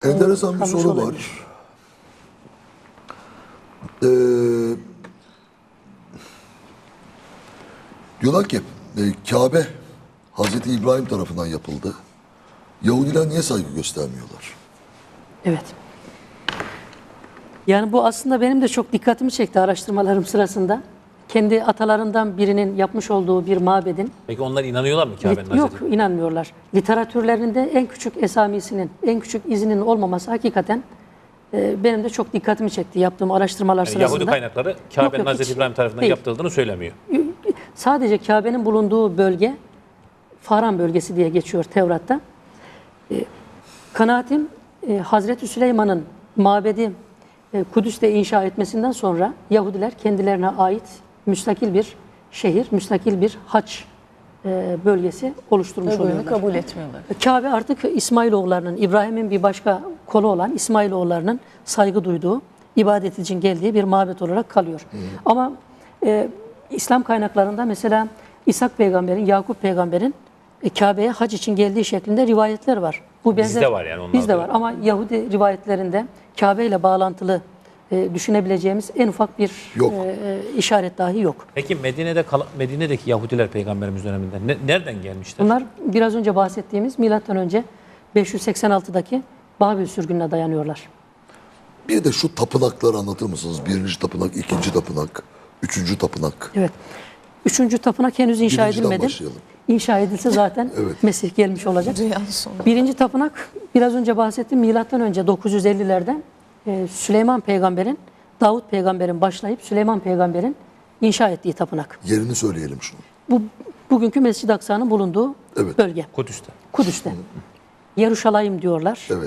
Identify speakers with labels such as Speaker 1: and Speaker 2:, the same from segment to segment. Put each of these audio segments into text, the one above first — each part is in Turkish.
Speaker 1: Enteresan bir
Speaker 2: kalmış
Speaker 1: soru
Speaker 2: olabilir.
Speaker 1: var. Ee, diyorlar ki Kabe Hazreti İbrahim tarafından yapıldı. Yahudiler niye saygı göstermiyorlar?
Speaker 2: Evet. Yani bu aslında benim de çok dikkatimi çekti araştırmalarım sırasında. Kendi atalarından birinin yapmış olduğu bir mabedin.
Speaker 3: Peki onlar inanıyorlar mı Kabe'nin
Speaker 2: Yok,
Speaker 3: Hazreti?
Speaker 2: inanmıyorlar. Literatürlerinde en küçük esamisinin, en küçük izinin olmaması hakikaten benim de çok dikkatimi çekti yaptığım araştırmalar
Speaker 3: Yani
Speaker 2: sırasında.
Speaker 3: Yahudi kaynakları Kabe'nin
Speaker 2: yok,
Speaker 3: Hazreti
Speaker 2: hiç
Speaker 3: İbrahim tarafından
Speaker 2: değil.
Speaker 3: yaptırıldığını söylemiyor.
Speaker 2: Sadece Kabe'nin bulunduğu bölge Faran bölgesi diye geçiyor Tevrat'ta. Kanaatim Hazreti Süleyman'ın mabedi Kudüs'te inşa etmesinden sonra Yahudiler kendilerine ait müstakil bir şehir, müstakil bir haç bölgesi oluşturmuş
Speaker 4: Öbürünü
Speaker 2: oluyorlar.
Speaker 4: kabul etmiyorlar.
Speaker 2: Kabe artık İsmailoğullarının, İbrahim'in bir başka kolu olan İsmailoğullarının saygı duyduğu, ibadet için geldiği bir mabet olarak kalıyor. Ama İslam kaynaklarında mesela İshak peygamberin, Yakup peygamberin Kabe'ye hac için geldiği şeklinde rivayetler var. Bu
Speaker 3: Bizde var yani, onlarda
Speaker 2: Bizde var
Speaker 3: yok.
Speaker 2: ama Yahudi rivayetlerinde Kabe ile bağlantılı düşünebileceğimiz en ufak bir
Speaker 1: Yok.
Speaker 2: işaret dahi yok.
Speaker 3: Peki Medine'deki Yahudiler Peygamberimiz döneminde nereden gelmişler?
Speaker 2: Bunlar biraz önce bahsettiğimiz milattan önce 586'daki Babil sürgününe dayanıyorlar.
Speaker 1: Bir de şu tapınakları anlatır mısınız? Birinci tapınak, ikinci tapınak, üçüncü tapınak.
Speaker 2: Evet. Üçüncü tapınak henüz inşa
Speaker 1: Birinciden
Speaker 2: edilmedi.
Speaker 1: başlayalım.
Speaker 2: İnşa edilse zaten
Speaker 1: Evet.
Speaker 2: Mesih gelmiş olacak.
Speaker 4: Dünyanın sonu.
Speaker 2: Birinci tapınak biraz önce bahsettiğim milattan önce 950'lerde Süleyman peygamberin, Davut peygamberin başlayıp Süleyman peygamberin inşa ettiği tapınak.
Speaker 1: Yerini söyleyelim şunu.
Speaker 2: Bu bugünkü Mescid-i Aksa'nın bulunduğu
Speaker 1: Evet.
Speaker 2: bölge.
Speaker 3: Kudüs'te.
Speaker 2: Kudüs'te. Yeruşalayim diyorlar.
Speaker 1: Evet.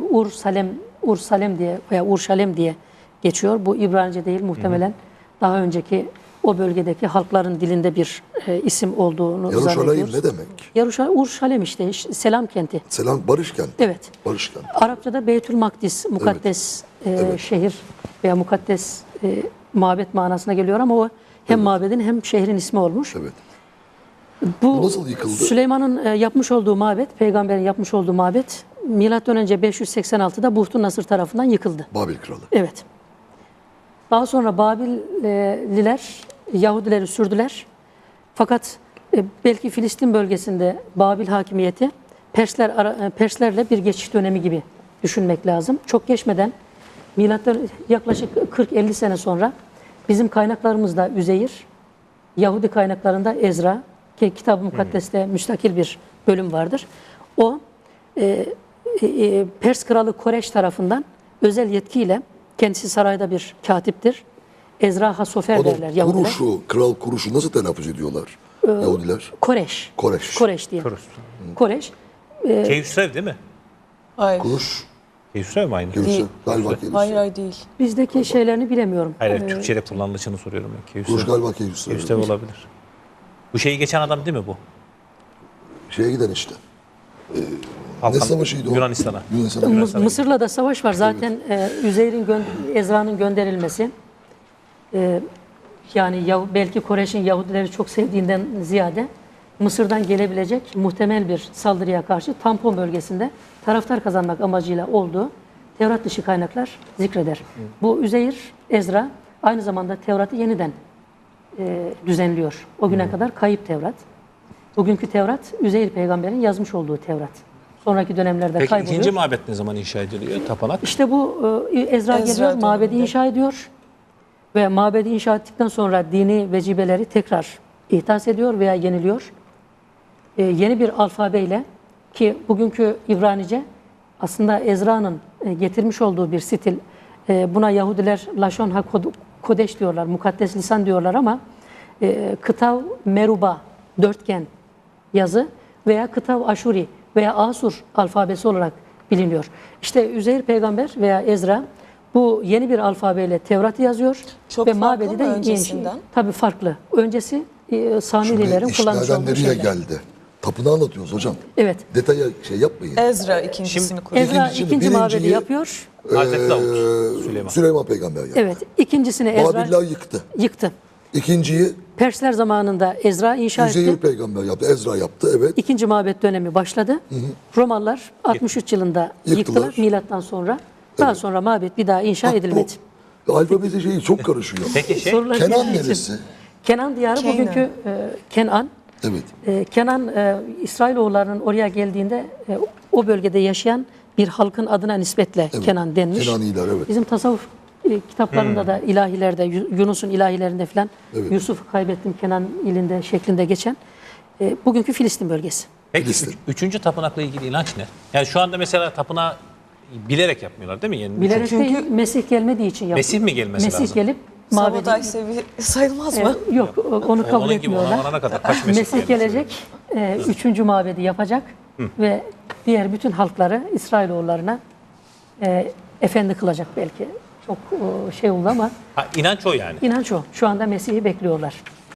Speaker 2: Ursalem diye veya Urşalem diye geçiyor. Bu İbranice değil muhtemelen daha önceki o bölgedeki halkların dilinde bir isim olduğunu
Speaker 1: Yeruşalayim
Speaker 2: zannediyoruz.
Speaker 1: ne demek?
Speaker 2: Urşalem işte selam kenti.
Speaker 1: Selam barış kenti.
Speaker 2: Evet.
Speaker 1: Barış kenti.
Speaker 2: Arapçada Beytül Makdis, mukaddes şehir veya mukaddes mabet manasına geliyor ama o hem mabedin hem şehrin ismi olmuş.
Speaker 1: Evet.
Speaker 2: Bu
Speaker 1: nasıl yıkıldı?
Speaker 2: Süleyman'ın yapmış olduğu mabet, peygamberin yapmış olduğu mabet milattan önce 586'da Buhtun Nasır tarafından yıkıldı.
Speaker 1: Babil kralı.
Speaker 2: Evet. Daha sonra Babilliler Yahudileri sürdüler. Fakat belki Filistin bölgesinde Babil hakimiyeti Perslerle bir geçiş dönemi gibi düşünmek lazım. Çok geçmeden milattan yaklaşık 40-50 sene sonra bizim kaynaklarımızda Üzeyir, Yahudi kaynaklarında Ezra ki Kitab-ı Mukaddes'te müstakil bir bölüm vardır. O Pers kralı Koreş tarafından özel yetkiyle kendisi sarayda bir katiptir. Ezra Hasofer derler
Speaker 1: Onun
Speaker 2: Yahudiler.
Speaker 1: kuruşu, kral kuruşu nasıl telaffuz ediyorlar Yahudiler?
Speaker 2: Koreş.
Speaker 1: Koreş.
Speaker 2: Koreş diye. Koreş.
Speaker 3: Keyhüsrev değil mi?
Speaker 4: Hayır.
Speaker 1: Kuruş,
Speaker 3: Keyhüsrev mi aynı?
Speaker 1: Kevser,
Speaker 4: Değil.
Speaker 1: galiba Kevser.
Speaker 4: Hayır değil.
Speaker 2: Bizdeki şeylerini bilemiyorum.
Speaker 3: Hayır, Türkçe'de kullanılışını soruyorum ben.
Speaker 1: Kuruş
Speaker 3: Keyhüsrev.
Speaker 1: galiba Kevser.
Speaker 3: Keyhüsrev olabilir. Bu şeyi geçen adam değil mi bu?
Speaker 1: Şeye giden işte.
Speaker 3: Halkan-
Speaker 1: Ne savaşıydı o?
Speaker 3: Yunanistan'a.
Speaker 1: Yunanistan'a.
Speaker 2: Mısır'la da savaş var. Zaten Ezra'nın gönderilmesi yani belki Koreş'in Yahudileri çok sevdiğinden ziyade Mısır'dan gelebilecek muhtemel bir saldırıya karşı tampon bölgesinde taraftar kazanmak amacıyla olduğu Tevrat dışı kaynaklar zikreder. Bu Üzeyir, Ezra aynı zamanda Tevrat'ı yeniden düzenliyor. O güne kadar kayıp Tevrat. Bugünkü Tevrat, Üzeyir peygamberin yazmış olduğu Tevrat. Sonraki dönemlerde
Speaker 3: Peki
Speaker 2: kayboluyor.
Speaker 3: ikinci mabet ne zaman inşa ediliyor? Tapınak.
Speaker 2: İşte bu Ezra geliyor,
Speaker 4: döneminde.
Speaker 2: mabedi inşa ediyor ve mabedi inşa ettikten sonra dini vecibeleri tekrar ihdas ediyor veya yeniliyor. Yeni bir alfabeyle ki bugünkü İbranice aslında Ezra'nın getirmiş olduğu bir stil. Buna Yahudiler Lashon HaKodeş diyorlar, mukaddes lisan diyorlar ama Kıtav Meruba, dörtgen yazı veya Kıtav Aşuri veya Asur alfabesi olarak biliniyor. İşte Üzeyir peygamber veya Ezra bu yeni bir alfabeyle Tevrat'ı yazıyor
Speaker 4: Çok
Speaker 2: ve
Speaker 4: farklı
Speaker 2: mabedi
Speaker 4: mı
Speaker 2: de
Speaker 4: öncesinden?
Speaker 2: tabii farklı. Öncesi Samirilerin kullanmış
Speaker 1: İşlerden
Speaker 2: olduğu
Speaker 1: nereye
Speaker 2: şeyler.
Speaker 1: geldi? Tapınağı anlatıyoruz hocam.
Speaker 2: Evet.
Speaker 1: Detaya şey yapmayın.
Speaker 4: Ezra ikincisini kuruyor.
Speaker 2: Ezra
Speaker 1: İkincisi,
Speaker 2: ikinci mabedi
Speaker 1: birinciyi-
Speaker 2: yapıyor.
Speaker 3: Hazreti Davut. Süleyman.
Speaker 1: Süleyman peygamber yaptı.
Speaker 2: Evet. İkincisini Ezra
Speaker 1: Babiller yıktı.
Speaker 2: yıktı.
Speaker 1: İkinciyi
Speaker 2: Persler zamanında Ezra inşa
Speaker 1: Üzeyir
Speaker 2: etti.
Speaker 1: peygamber yaptı. Ezra yaptı. Evet.
Speaker 2: İkinci mabet dönemi başladı. Romalılar 63 yılında
Speaker 1: Yıktılar.
Speaker 2: yıktılar milattan sonra. Daha sonra mabet bir daha inşa edilmedi.
Speaker 1: Bu alfabeti şeyi çok karışıyor.
Speaker 3: Peki
Speaker 2: Sorular
Speaker 1: Kenan
Speaker 2: geldiği için.
Speaker 1: neresi?
Speaker 2: Kenan diyarı
Speaker 4: Kenan.
Speaker 2: bugünkü Kenan.
Speaker 1: Evet.
Speaker 2: Kenan İsrailoğullarının oraya geldiğinde o bölgede yaşayan bir halkın adına nispetle
Speaker 1: Evet.
Speaker 2: Kenan denmiş.
Speaker 1: Kenaniler, evet.
Speaker 2: Bizim tasavvuf kitaplarında da ilahilerde, Yunus'un ilahilerinde falan
Speaker 1: Evet.
Speaker 2: Yusuf'u kaybettim Kenan ilinde şeklinde geçen bugünkü Filistin bölgesi.
Speaker 3: Peki
Speaker 1: Filistin.
Speaker 3: üçüncü tapınakla ilgili inanç ne? Yani şu anda mesela tapınağı bilerek yapmıyorlar değil mi? Yani
Speaker 2: Bilerek
Speaker 4: Çünkü-
Speaker 2: değil, Mesih gelmediği için yapıyor.
Speaker 3: Mesih mi gelmesi
Speaker 2: Mesih
Speaker 3: lazım?
Speaker 2: gelip
Speaker 4: Sabotaj
Speaker 2: mabedi...
Speaker 4: sayılmaz mı?
Speaker 2: Yok, onu kabul
Speaker 3: Onun gibi
Speaker 2: etmiyorlar.
Speaker 3: ona varana kadar kaç Mesih
Speaker 2: Mesih
Speaker 3: gelmesi
Speaker 2: gelecek, üçüncü mabedi yapacak ve diğer bütün halkları İsrailoğullarına efendi kılacak belki. Çok şey oldu ama
Speaker 3: Ha, inanç o yani.
Speaker 2: inanç o. Şu anda Mesih'i bekliyorlar.